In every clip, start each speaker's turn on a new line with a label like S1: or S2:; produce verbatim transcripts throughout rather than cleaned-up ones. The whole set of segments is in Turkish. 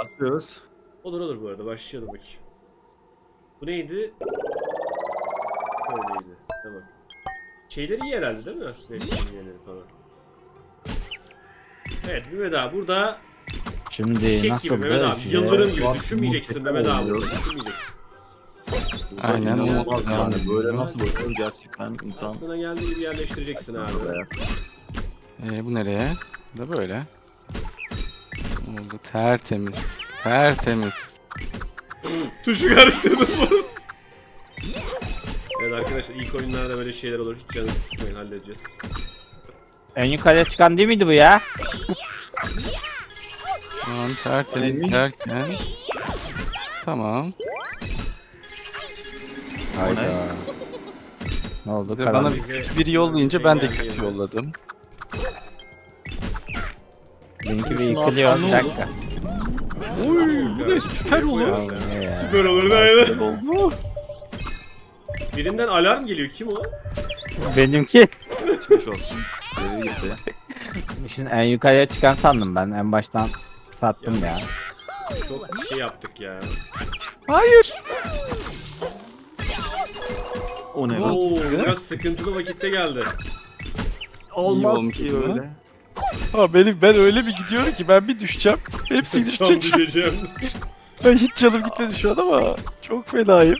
S1: Atlıyoruz.
S2: Olur olur bu arada başlayalım bakayım. Bu neydi? Öyleydi. Tamam. Şeyleri iyi herhalde değil mi? Resimleri falan. Evet Mehmet abi burada
S3: Şimdi
S2: fişek gibi
S3: nasıl
S2: Mehmet abi.
S3: da
S2: Yıldırım gibi
S1: Bak,
S2: düşünmeyeceksin
S1: muhteşem
S2: Mehmet abi.
S1: oluyor.
S2: Düşünmeyeceksin.
S4: Aynen,
S1: İnanılmaz
S4: o-
S1: yani. Böyle
S3: yani.
S1: nasıl bakıyor gerçekten insan.
S2: Aklına geldiği gibi yerleştireceksin abi.
S1: Buraya.
S4: Ee, bu nereye? Bu da böyle. Oldu tertemiz. Tertemiz.
S2: Tuşu karıştırdım bunu. Evet arkadaşlar ilk oyunlarda böyle şeyler olur. Hiç canınızı sıkmayın, halledeceğiz.
S3: en yukarıya çıkan değil miydi bu ya?
S4: Tamam tertemiz derken. Tamam.
S3: Hayda. Ne oldu?
S4: Ve
S3: Karan-
S4: bana bir kötü biri yollayınca ben de kötü yolladım.
S3: Benimki de yıkılıyor. Bir dakika.
S2: Oy bu
S4: ne süper olur.
S3: Ya, bu ne ya?
S2: Süper olur da aynen.
S1: Böyle oldu.
S2: Birinden alarm geliyor. Kim o?
S3: Benimki.
S1: Geçmiş olsun. Geri gitti.
S3: Şimdi en yukarıya çıkan sandım ben. En baştan sattım ya.
S2: Çok şey yaptık ya.
S4: Hayır.
S1: O ne lan?
S2: Oo biraz sıkıntılı vakitte geldi.
S1: Olmaz
S4: olmuş
S1: ki
S4: o zaman.
S1: öyle.
S4: Ha benim ben öyle bir gidiyorum ki ben bir düşeceğim. Hepsi
S2: Tam
S4: düşecek.
S2: düşeceğim.
S4: Ben hiç canım gitmedi şu an ama çok fenayım.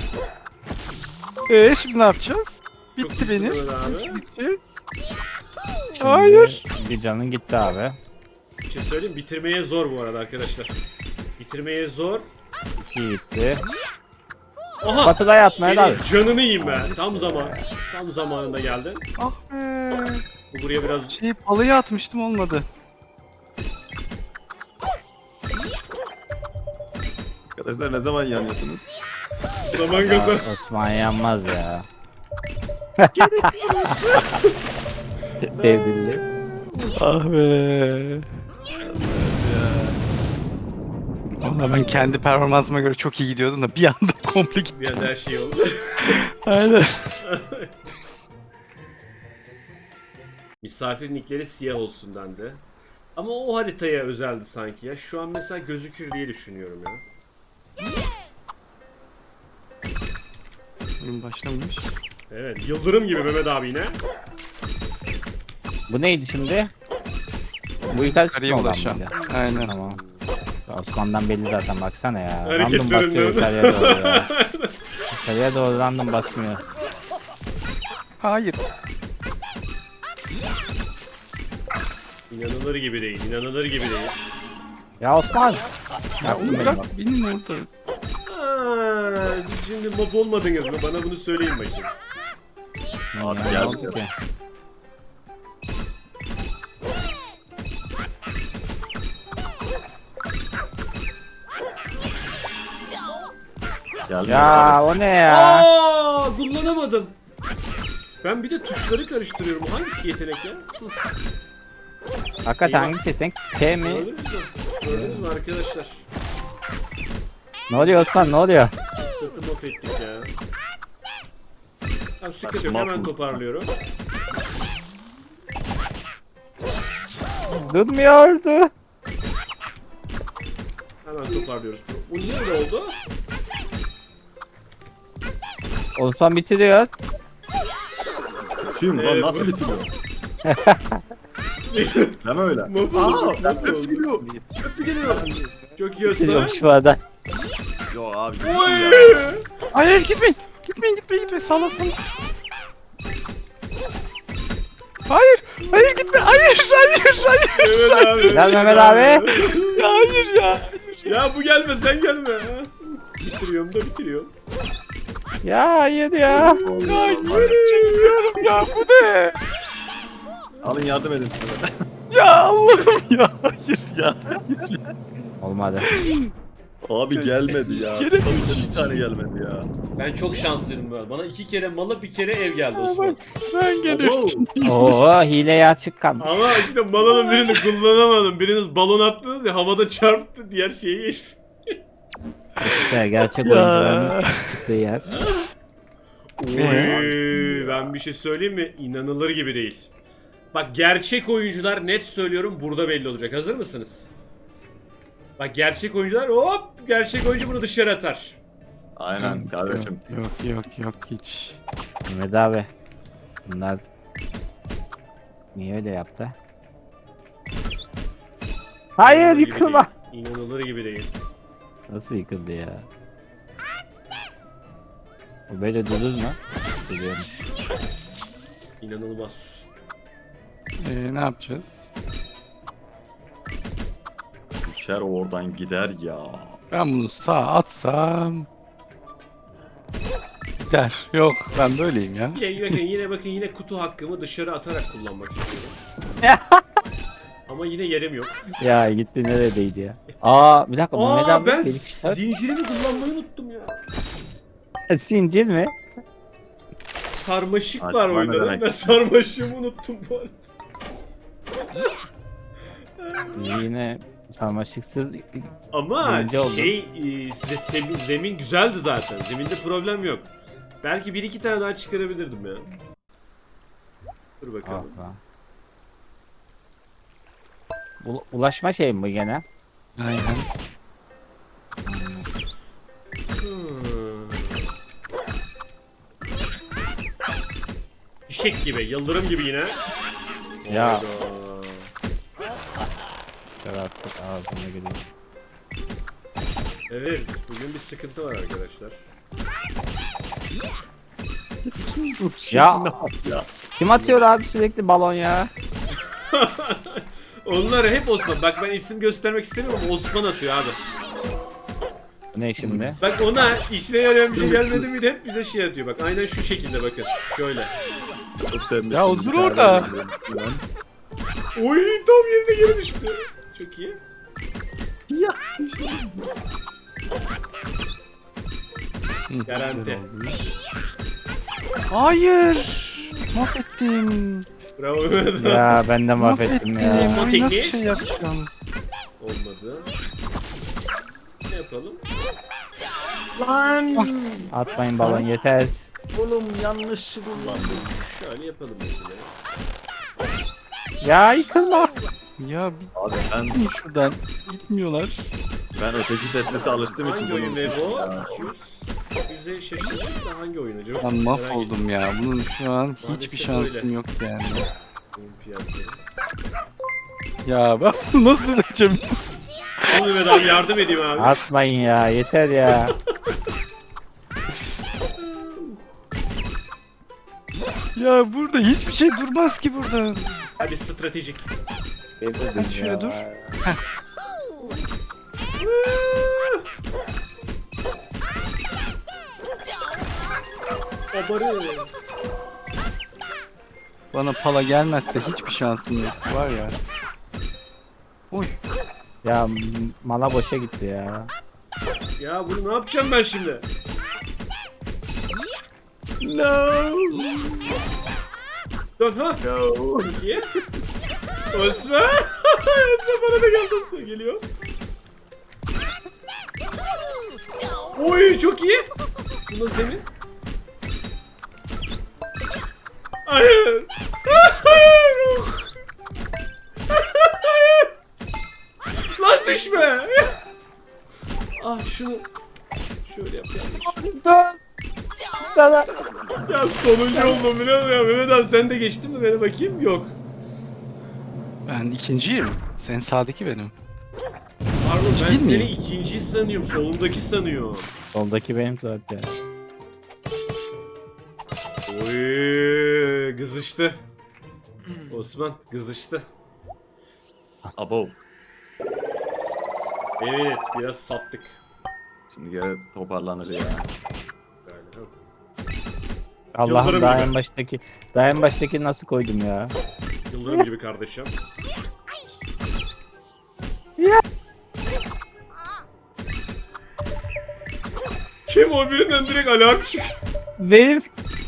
S4: Eee şimdi ne yapacağız?
S2: Çok
S4: Bitti
S2: iyisin
S4: benim.
S2: Mehmet abi.
S4: Bitti.
S3: Şimdi
S4: Hayır.
S3: Bir canın gitti abi.
S2: Bir şey söyleyeyim bitirmeye zor bu arada arkadaşlar. Bitirmeye zor.
S3: İki gitti.
S2: Aha!
S3: Batıda yatmaya da.
S2: Senin canını yiyeyim ben. Tam zaman. Tam zamanında geldin.
S4: Ah be.
S2: Bu buraya biraz
S4: Şey balayı atmıştım olmadı.
S1: Arkadaşlar ne zaman yanıyorsunuz?
S2: zaman
S3: Ya,
S2: gaza.
S3: Osman yanmaz ya. Devrildi.
S4: Ah be. Valla ben kendi performansıma göre çok iyi gidiyordum da bir anda komple gitti.
S2: Bir anda her şey oldu.
S4: Aynen.
S2: Misafir nickleri siyah olsun dendi. Ama o haritaya özeldi sanki ya. Şu an mesela gözükür diye düşünüyorum ya.
S4: Oyun başlamış.
S2: Evet, yıldırım gibi Mehmet abi yine.
S3: Bu neydi şimdi? Bu yukarı
S4: Yukarıya
S3: çıkma olan
S4: ulaşan.
S3: mıydı?
S4: Aynen.
S3: Tamam. Osman'dan belli zaten baksana ya. Random
S2: Hareketlerinden.
S3: basıyor yukarıya doğru ya. Yukarıya doğru random basmıyor.
S4: Hayır.
S2: İnanılır gibi değil, inanılır gibi değil.
S3: Ya Osman!
S4: Ya
S3: Yaptın
S4: onu
S3: beni
S4: bırak
S3: bak.
S4: benim orada.
S2: Aa, siz şimdi mob olmadınız mı? Bana bunu söyleyin bakayım.
S1: Abi
S3: Ya, ne
S1: gel.
S3: oldu ki?
S1: Geldi.
S3: Ya o ne ya?
S2: Aa, kullanamadım. Ben bir de tuşları karıştırıyorum. Hangisi yetenek ya? Hı,
S3: Hakikaten
S2: İyi bak.
S3: hangisi yetenek? T mi?
S2: Gördünüz mü? Gördünüz mü arkadaşlar?
S3: Ne oluyor Osman ne oluyor?
S2: Sırtı mop ettik ya. Tamam sıkıntı yok,
S1: Saçma
S2: hemen
S1: mı?
S2: toparlıyorum.
S3: Durmuyordu.
S2: Hemen toparlıyoruz. Bu niye öyle oldu?
S3: Osman bitiriyor.
S1: Tüm lan
S2: Evet,
S1: nasıl
S2: bu-
S1: bitiriyor? Deme öyle.
S2: Mahvoldu,
S1: Aa,
S2: mahvoldu.
S1: hepsi geliyor. Hepsi geliyor.
S2: Çok iyi Osman.
S3: Bitiriyormuş bu arada.
S1: Yo abi. gitsin
S2: Oy!
S1: ya.
S4: Hayır gitmeyin. Gitmeyin gitmeyin gitmeyin. Salla salla. Hayır. Hayır gitme. Hayır. Hayır. Hayır.
S2: Mehmet abi.
S3: Gel Mehmet abi.
S4: Hayır ya.
S2: Ya bu gelme sen gelme. Bitiriyorum da bitiriyorum.
S3: Ya hayır ya.
S4: Ya yürü çekmiyorum ya. Bu ne?
S1: Alın yardım edin size.
S4: Ya Allah'ım ya. Hayır ya.
S3: Olmadı.
S1: Abi gelmedi ya.
S4: Gene
S1: Tabii
S4: mi?
S1: ki bir tane gelmedi ya.
S2: Ben çok şanslıydım böyle. Bana iki kere malı bir kere ev geldi Osman.
S4: Ben geliyorum.
S3: Oo hileye açık kaldı.
S2: Ama işte malının birini kullanamadım. Biriniz balon attınız ya havada çarptı diğer şeye geçti.
S3: İşte gerçek
S4: Ya.
S3: oyuncuların çıktığı yer.
S2: Oy, ben bir şey söyleyeyim mi? İnanılır gibi değil. Bak gerçek oyuncular net söylüyorum burada belli olacak. Hazır mısınız? Bak gerçek oyuncular hop gerçek oyuncu bunu dışarı atar.
S1: Aynen kardeşim.
S4: Yok yok yok hiç.
S3: Mehmet abi. Bunlar niye öyle yaptı? Hayır
S2: İnanılır gibi
S3: yıkılma.
S2: değil. İnanılır gibi değil.
S3: Nasıl yıkıldı ya? O böyle durur mu? Duruyormuş.
S2: İnanılmaz.
S4: Ee, ne yapacağız?
S1: Düşer oradan gider ya.
S4: Ben bunu sağa atsam... Gider. Yok ben böyleyim ya.
S2: Yine bakın yine bakın yine kutu hakkımı dışarı atarak kullanmak istiyorum. Ama yine yerim yok.
S3: Ya gitti neredeydi ya? Aa bir dakika Mehmet
S2: Aa
S3: abi
S2: ben
S3: benim-
S2: zincirimi kullanmayı unuttum ya.
S3: Zincir mi?
S2: Sarmaşık
S1: Ay,
S2: var
S1: bana
S2: oyunda.
S1: demek.
S2: Ben sarmaşığımı unuttum bu arada.
S3: Yine sarmaşıksız
S2: Ama
S3: Birinci oldu.
S2: şey e, zemin, zemin güzeldi zaten. Zeminde problem yok. Belki bir iki tane daha çıkarabilirdim ya. Dur
S3: Ah
S2: bakalım.
S3: lan. U- ulaşma şey mi bu gene?
S4: Aynen.
S2: Hmm. Fişek gibi, yıldırım gibi yine.
S3: Ya.
S2: Hayda.
S3: Yarattık ağzına geliyor.
S2: Evet, bugün bir sıkıntı var arkadaşlar.
S3: Ya.
S1: ya.
S3: Kim atıyor abi sürekli balon ya?
S2: Onlar hep Osman. Bak ben isim göstermek istemiyorum ama Osman atıyor abi.
S3: Bu ne şimdi?
S2: Bak ona işine yarayan bir şey gelmedi mi de hep bize şey atıyor. Bak aynen şu şekilde bakın. Şöyle.
S1: Çok sevmişsin.
S4: Ya o dur
S1: Bir tane
S4: orada.
S1: geliyor.
S2: Oy tam yerine geri düştü. Çok iyi.
S1: Ya.
S4: Hı,
S2: Garanti.
S4: güzel oldu. Hayır. Mahvettim.
S2: Bravo Mehmet.
S3: Ya ben de mahvettim ya.
S2: Son
S4: Oyun nasıl
S2: tekniği.
S4: şey yapacağım?
S2: Olmadı. Ne yapalım?
S1: Lan.
S3: Atmayın balon yeter.
S1: Oğlum yanlış kullandım.
S2: Şöyle yapalım mesela.
S3: Ya yıkılma.
S4: Ya bir
S1: Abi ben
S4: gidin şuradan. Gitmiyorlar.
S1: ben öteki Tetris'e alıştığım için
S2: Hangi oyun
S1: bunu
S2: ve bu?
S1: Ya.
S2: iki yüz. yüze şaşırdım da hangi oyun acaba?
S4: Ben mahvoldum ya. Bunun şu an hiçbir
S2: Maalesef
S4: şansım
S2: öyle.
S4: yok yani.
S2: Olimpiyatları.
S4: Ya ben bunu nasıl edeceğim?
S2: Al Mehmet abi yardım edeyim abi.
S3: Atmayın ya yeter ya.
S4: Ya burada hiçbir şey durmaz ki burada.
S2: Hadi stratejik.
S4: Hadi şöyle dur.
S2: Abarı.
S4: Bana pala gelmezse hiçbir şansım yok. Var ya. Oy.
S3: Ya m- mana boşa gitti ya.
S2: Ya bunu ne yapacağım ben şimdi?
S1: No.
S2: Dön ha.
S1: No.
S2: İyi. Osman. Osman bana da geldi Osman geliyor. Oy çok iyi. Bu nasıl zemin? Hayır. Hayır. Lan düşme. Ah şunu şöyle yapalım.
S3: Dur. Sana.
S2: Ya sonuncu oldum biliyor musun ya? Mehmet abi sen de geçtin mi bana bakayım? Yok.
S4: Ben ikinciyim. Sen sağdaki benim.
S2: Pardon ben
S4: Değil
S2: seni
S4: miyim?
S2: ikinci sanıyorum. Solundaki sanıyorum.
S3: Soldaki benim zaten.
S2: Oy kızıştı. Osman kızıştı.
S1: Abo.
S2: Evet biraz sattık.
S1: Şimdi geri toparlanır ya.
S2: Galiba.
S3: Allah'ım
S2: Yıldırım
S3: daha
S2: gibi.
S3: en baştaki daha en baştaki nasıl koydum ya?
S2: Yıldırım gibi kardeşim.
S3: Ya.
S2: Kim o birinden direkt alarm çık.
S3: Benim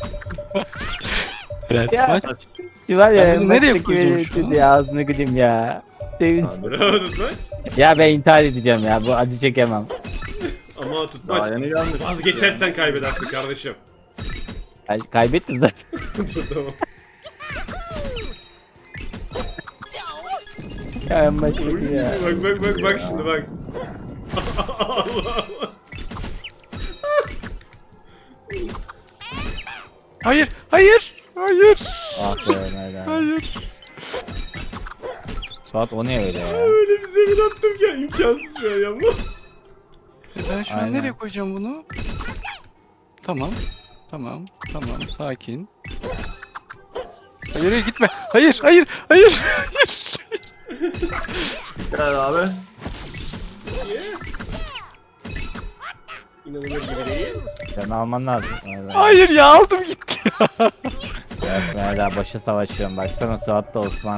S4: Evet.
S3: Ya.
S4: Bak,
S3: şu var ya
S4: Ben bunu
S3: en
S4: nereye
S3: baştaki
S4: koyacağım
S3: beni
S4: şu an?
S3: dedi ağzını gıdım ya. Sevinç.
S2: Bravo tutmaç.
S3: Ya ben intihar edeceğim ya bu acı çekemem.
S2: Ama
S1: Daha
S2: tutmaç.
S1: yeni gelmiş.
S2: Vazgeçersen kaybedersin kardeşim.
S3: Kay- kaybettim zaten.
S2: Tamam.
S3: Ya en baştaki ya.
S2: Bak bak bak bak şimdi bak. Allah.
S4: Hayır, hayır, hayır,
S3: Ah be Mehmet abi.
S4: hayır.
S3: Suat o ne öyle ya?
S2: Öyle bir zemin attım ki imkansız şu an yapma.
S4: E ben şu an
S3: Aynen.
S4: nereye koyacağım bunu? Tamam, tamam, tamam, sakin. Hayır, hayır gitme. Hayır, hayır, hayır, hayır.
S1: Gel abi.
S2: Niye? İnanılır gibi değil.
S3: Sen alman lazım. Mehmet abi.
S4: Hayır ya aldım gitti ya.
S3: Evet Mehmet abi başı savaşıyorum. Baksana Suat da Osman.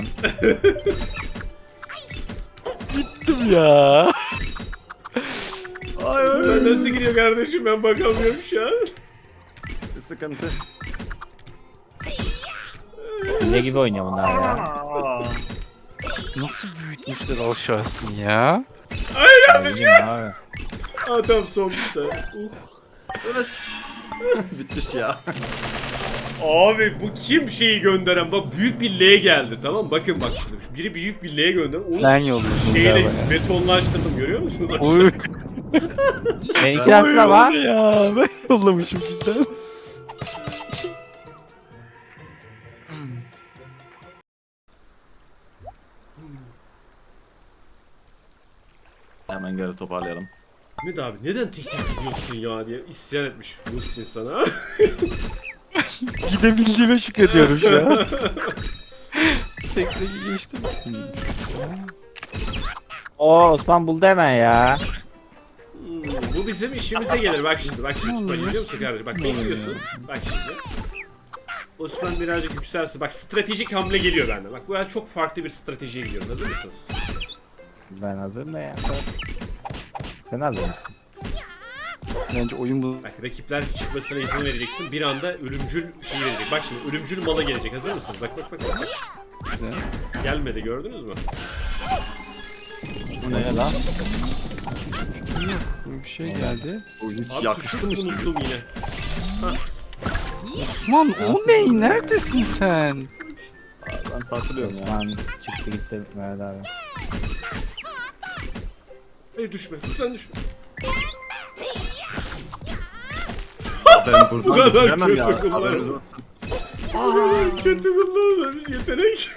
S4: Gittim ya.
S2: Ben nasıl gidiyor kardeşim ben bakamıyorum şu an.
S1: Sıkıntı.
S3: Hile gibi oynuyor bunlar ya.
S4: Nasıl büyütmüşler aşağısını ya?
S3: Ne bileyim abi.
S2: Aa tamam son bir tane. Uh.
S1: Evet. Bitmiş ya.
S2: Abi bu kim şeyi gönderen? Bak büyük bir L geldi tamam mı? Bakın bak şimdi. Biri büyük bir L gönder. Onu
S4: Ben yolladım
S2: şeyle
S4: galiba ya.
S2: betonlaştırdım görüyor musunuz?
S4: Oy.
S3: Seninki nasıl ama?
S4: Ya ben yollamışım cidden.
S1: Hemen geri toparlayalım.
S2: Mehmet abi neden tek tek gidiyorsun ya diye isyan etmiş Muhsin sana.
S4: Gidebildiğime şükrediyorum şu an. Tek tek geçtim.
S3: Oo Osman buldu hemen ya.
S2: Hmm, bu bizim işimize gelir bak şimdi bak şimdi bak izliyor musun kardeşim bak bekliyorsun bak şimdi. Osman birazcık yükselsin bak stratejik hamle geliyor benden bak bu ya çok farklı bir stratejiye gidiyorum hazır mısınız?
S3: Ben hazırım da ya. Sen hazır mısın?
S4: Bence oyun bu.
S2: Bak rakipler çıkmasına izin vereceksin bir anda ölümcül şey verecek bak şimdi ölümcül mala gelecek hazır mısınız bak bak bak, bak. Gelmedi gördünüz mü?
S3: Bu ne lan?
S4: Böyle bir şey geldi.
S1: Bu hiç
S2: Abi
S1: yakıştı mı
S2: tuşu
S1: şimdi?
S2: unuttum yine.
S4: Aman o ne? Neredesin sen?
S1: Ben takılıyorum ya.
S3: Osman çıktı gitti Mehmet abi.
S2: Hayır düşme lütfen düşme.
S1: Ben
S2: Bu
S1: buradan
S2: kadar
S1: bitiremem ya.
S2: kötü kullanım.
S1: Haberiniz olsun.
S2: Aa, kötü kullanılan yetenek.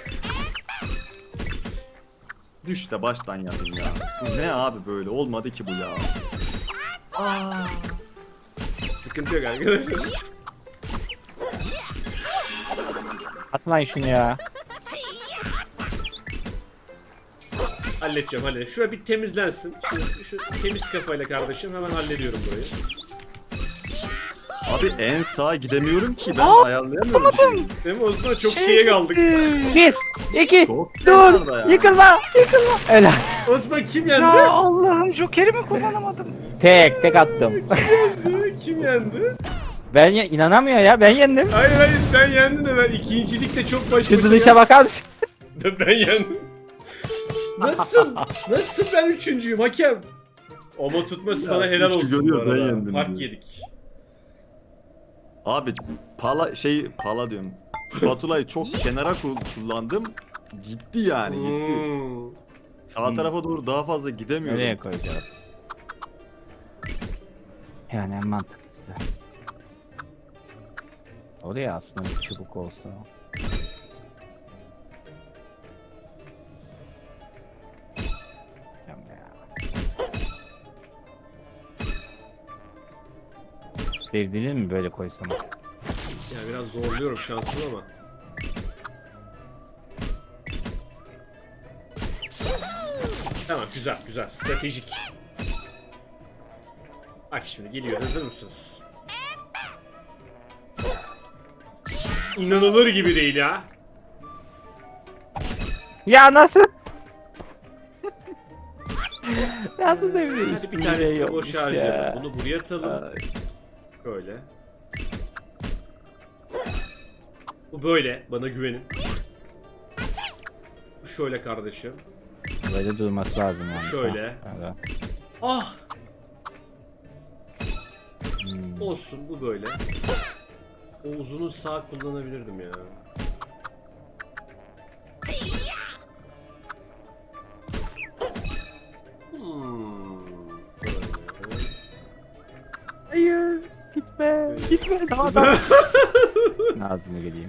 S1: Düş de baştan yapayım ya. Bu ne abi böyle? Olmadı ki bu ya.
S2: Sıkıntı yok arkadaşlar.
S3: Atmayın şunu ya.
S2: Halledeceğim halledeceğim. Şuraya bir temizlensin. Şu, şu temiz kafayla kardeşim hemen hallediyorum burayı.
S1: Abi en sağa gidemiyorum ki ben ayarlayamıyorum. bir şeyi.
S2: Değil mi Osman? Çok şeye kaldık.
S3: Bir, iki,
S1: Çok
S3: dur,
S1: kenarda ya.
S3: yıkılma, yıkılma. Öyle.
S2: Osman kim yendi?
S4: Ya Allah'ım Joker'i mi kullanamadım?
S3: Tek, tek attım.
S2: Kim yendi?
S3: Ben ye- inanamıyor ya, ben yendim.
S2: Hayır hayır sen yendin de ben ikincilikte çok baş
S3: Şu
S2: başa
S3: dışa bakar mısın?
S2: geldim. Ben yendim. Nasıl? Nasıl ben üçüncüyüm hakem? Ama tutması
S1: Ya,
S2: sana helal
S1: üçü
S2: olsun bu
S1: görüyor, ben
S2: arada.
S1: yendim
S2: Fark
S1: diyor.
S2: yedik.
S1: Abi pala şey pala diyorum. Spatulayı çok kenara kul- kullandım. Gitti yani gitti.
S2: Hmm.
S1: Sağ tarafa doğru daha fazla gidemiyorum.
S3: Nereye koyacağız? Yani en mantıklısı. Oraya aslında bir çubuk olsa. Yapma ya. Sevdiğini mi böyle koysam?
S2: Ya biraz zorluyorum şansımı ama. Tamam güzel güzel stratejik. Bak şimdi geliyor hazır mısınız? İnanılır gibi değil ya.
S3: Ya nasıl? Nasıl devre
S2: Hadi bir tanesini boş harcayalım. Bunu buraya atalım.
S3: Ay.
S2: Böyle. Bu böyle. Bana güvenin. Bu şöyle kardeşim.
S3: Böyle durması lazım yani.
S2: Şöyle.
S3: Evet.
S2: Ah!
S3: Hmm.
S2: Olsun bu böyle. O uzunu sağ kullanabilirdim ya.
S3: Gitme tamam. Ağzını geleyim.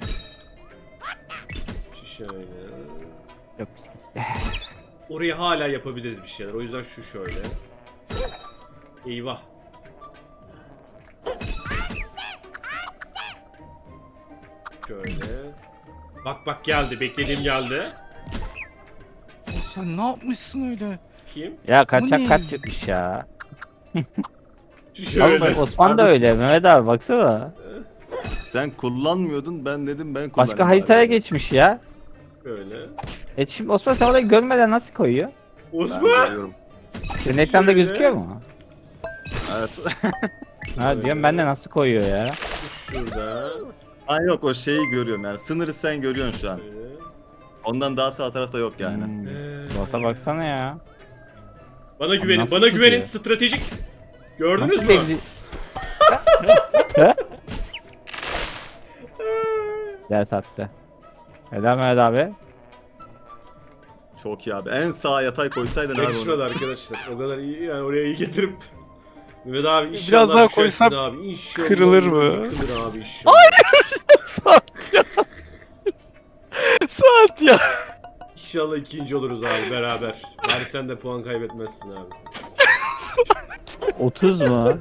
S2: Şu şöyle.
S3: Çok güzel.
S2: Oraya hala yapabiliriz bir şeyler. O yüzden şu şöyle. Eyvah. Şöyle. Bak bak geldi. Beklediğim geldi.
S4: Sen ne yapmışsın öyle?
S2: Kim?
S3: Ya
S4: Bu
S3: kaçak
S4: ne?
S3: kaç çıkmış ya.
S2: Şu şöyle.
S3: Oğlum Osman da öyle. Mehmet abi baksana.
S1: Sen kullanmıyordun, ben dedim ben kullanayım.
S3: Başka haritaya
S1: bari.
S3: geçmiş ya.
S2: Böyle.
S3: E şimdi Osman sen orayı görmeden nasıl koyuyor?
S1: Ben
S2: Osman!
S1: görüyorum.
S3: Senin ekranda
S2: Şöyle.
S3: gözüküyor mu?
S1: Evet.
S3: Ha diyorum ben de nasıl koyuyor ya.
S2: Şurada.
S1: Ha yok, o şeyi görüyorum yani. Sınırı sen görüyorsun şu an.
S2: Böyle.
S1: Ondan daha sağ tarafta yok yani.
S3: Hmm.
S2: Ee,
S3: Bota baksana ya.
S2: Bana güvenin,
S3: Nasıl
S2: bana güvenin.
S3: gidiyor?
S2: Stratejik. Gördünüz
S3: Nasıl
S2: mü?
S3: belli- He? Gel sattı. Helal Mehmet abi.
S1: Çok iyi abi. En sağa yatay koysaydın abi
S2: Yakışmadı
S1: onu.
S2: arkadaşlar. O kadar iyi yani oraya iyi getirip. Mehmet abi inşallah
S4: Biraz daha
S2: düşersin
S4: koysam
S2: abi. İnşallah
S4: kırılır mı?
S2: Kırılır abi inşallah.
S4: Saat ya.
S2: İnşallah ikinci oluruz abi beraber. Bari sen de puan kaybetmezsin abi.
S3: otuz mu?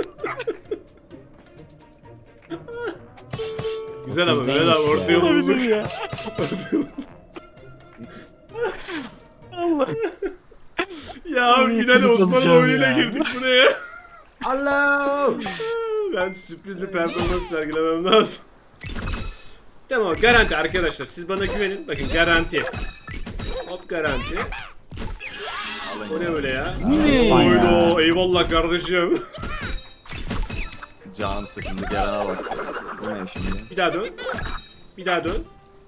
S2: Güzel ama
S3: otuz
S2: Mehmet abi
S3: neymiş
S2: orta
S3: ya?
S2: yolu bulduk.
S4: ya. Allah.
S2: Ya abi
S4: Ay,
S2: finale Osman'ın
S4: kırılacağım
S2: oyunuyla
S4: ya.
S2: girdik buraya.
S1: Allah!
S2: Ben sürpriz bir performans sergilemem lazım. Tamam garanti arkadaşlar siz bana güvenin. Bakın garanti. Hop garanti. O ne öyle ya?
S3: Ne?
S2: Oydo eyvallah kardeşim.
S1: Canım sıkıldı, Ceren'e bak. Bu ne şimdi?
S2: Bir daha dön. Bir daha dön.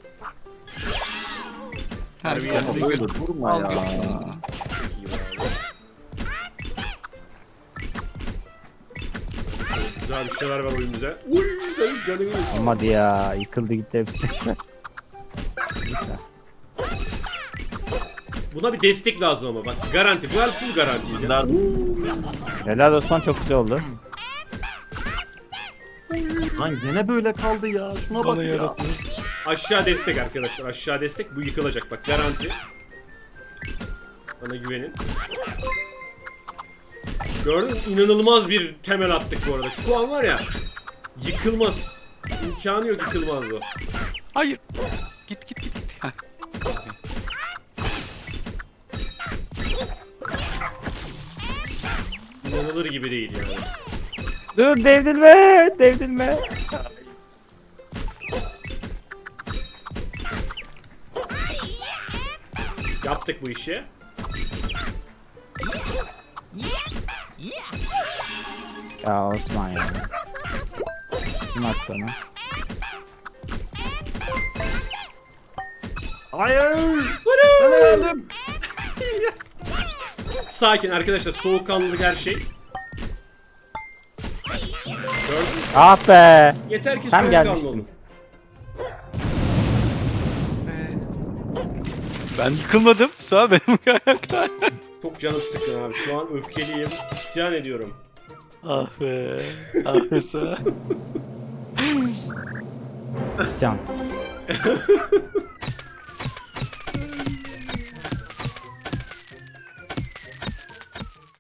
S2: Harbi
S4: Herkes
S2: yani.
S1: Ama böyle durma
S4: al
S1: ya.
S4: götür.
S2: Çok iyi abi. Güzel bir şeyler var oyunumuza. Uy canım canım iyi.
S3: Olmadı ya. Yıkıldı gitti hepsi. Neyse.
S2: Buna bir destek lazım ama bak garanti. Bu el full garanti.
S1: Bunlar
S3: Helal Osman çok güzel oldu.
S1: lan yine böyle kaldı ya. Şuna bak
S4: Bana
S1: ya.
S4: yarattı.
S2: Aşağı destek arkadaşlar. Aşağı destek. Bu yıkılacak bak garanti. Bana güvenin. Gördün mü? İnanılmaz bir temel attık bu arada. Şu an var ya yıkılmaz. İmkanı yok yıkılmaz bu.
S4: Hayır. Git git git. git. Heh.
S2: İnanılır gibi değil yani.
S3: Dur devrilme. Devrilme.
S2: Yaptık bu işi.
S3: Ya Osman ya. Kim attı onu?
S1: Hayır! Ben öldüm.
S2: Sakin arkadaşlar. Soğukkanlılık her şey. Gördün mü?
S3: Ah be.
S2: Yeter ki
S3: Tam
S2: soğukkanlı
S3: gelmiştim.
S2: olun.
S4: Ee, Ben yıkılmadım. Sağ benim ayakta.
S2: Çok canım sıkkın abi. Şu an öfkeliyim. İsyan ediyorum.
S4: Ah be. Ah be sağ.
S3: İsyan.